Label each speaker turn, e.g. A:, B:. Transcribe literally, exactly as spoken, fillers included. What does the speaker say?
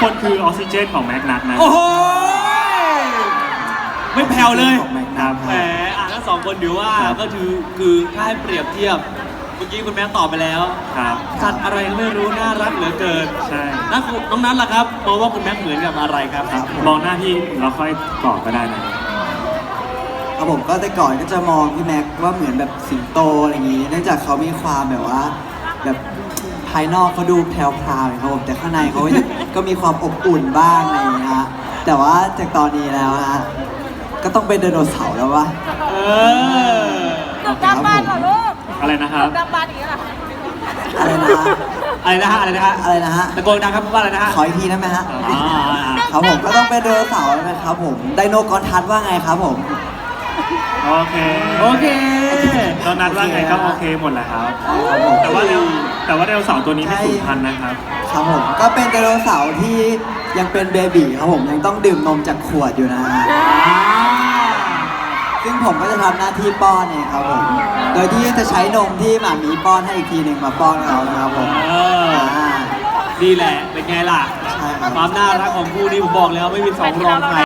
A: คนคือออกซิเจนของแม็กนัทนะ
B: โอ้โหไม่แผ่วเลย
A: ครับ
B: แหมอ่ะทั้งสองคนถือว่าก็คือคือถ้าให้เปรียบเทียบเมื่อกี้คุณแม่ตอบไปแล้ว
A: ครับ
B: สัตว์อะไรก็ไม่รู้น่ารักเหลือเกิน
A: ใช่
B: นักน้องนั้นล่ะครับมองว่าคุณแม่เหมือนกับอะไรครับครับ
A: มองหน้าพี่เราค่อยตอบก็ได้นะ
C: ครับผมก็แต่ก่อนก็จะมองพี่แม็กว่าเหมือนแบบสิงโตอะไรอย่างนี้เนื่องจากเขามีความแบบว่าแบบภายนอกเขาดูแพรวๆครับผมแต่ข้างในเขาก็มีความอบอุ่นบ้างอะไรอย่างเงี้ยฮะแต่ว่าจากตอนนี้แล้วฮะก็ต้องเป็นไดโนเสาร์แล้ววะ
B: เออ
D: ตึกดำบานเหรอลูก
A: อะไรนะครับ
D: ตึกดำบานอย่างนี้เหรอ
C: อะไรนะฮะ
B: อะไรนะฮะอะไรนะฮะ
C: อะไรนะฮะ
B: ตะโกนดังครับว่าอะไรนะฮะ
C: ขออีกทีได้ไหมฮะ
B: อ่า
C: ครับผมก็ต้องเป็นไดโนเสาร์นะครับผมไดโนกรทัศน์ว่าไงครับผม
A: โอเค
B: โอเค
A: ตอนนัดว่าไงก็โอเคหมดแหละครับ
C: ครับผม
A: แต่ว่าเดวแต่ว่าไดโนเสาร์ตัวนี้ไม่สูญพันธุ์นะครับ
C: ครับผมก็เป็นไดโนเสาร์ที่ยังเป็นเบบีครับผมยังต้องดื่มนมจากขวดอยู่นะฮะซึ่งผมก็จะทำหน้าที่ป้อนเองครับผม โดยที่จะใช้นมที่หมามีป้อนให้อีกทีหนึ่งมาป้อนเขานะครับผม
B: เออ
C: อ่า
B: นี่แหละเป็นไงล่ะ
C: ใช่ครับ
B: ความน่ารักของคู่นี้ผมบอกแล้วไม่มีสองรองใคร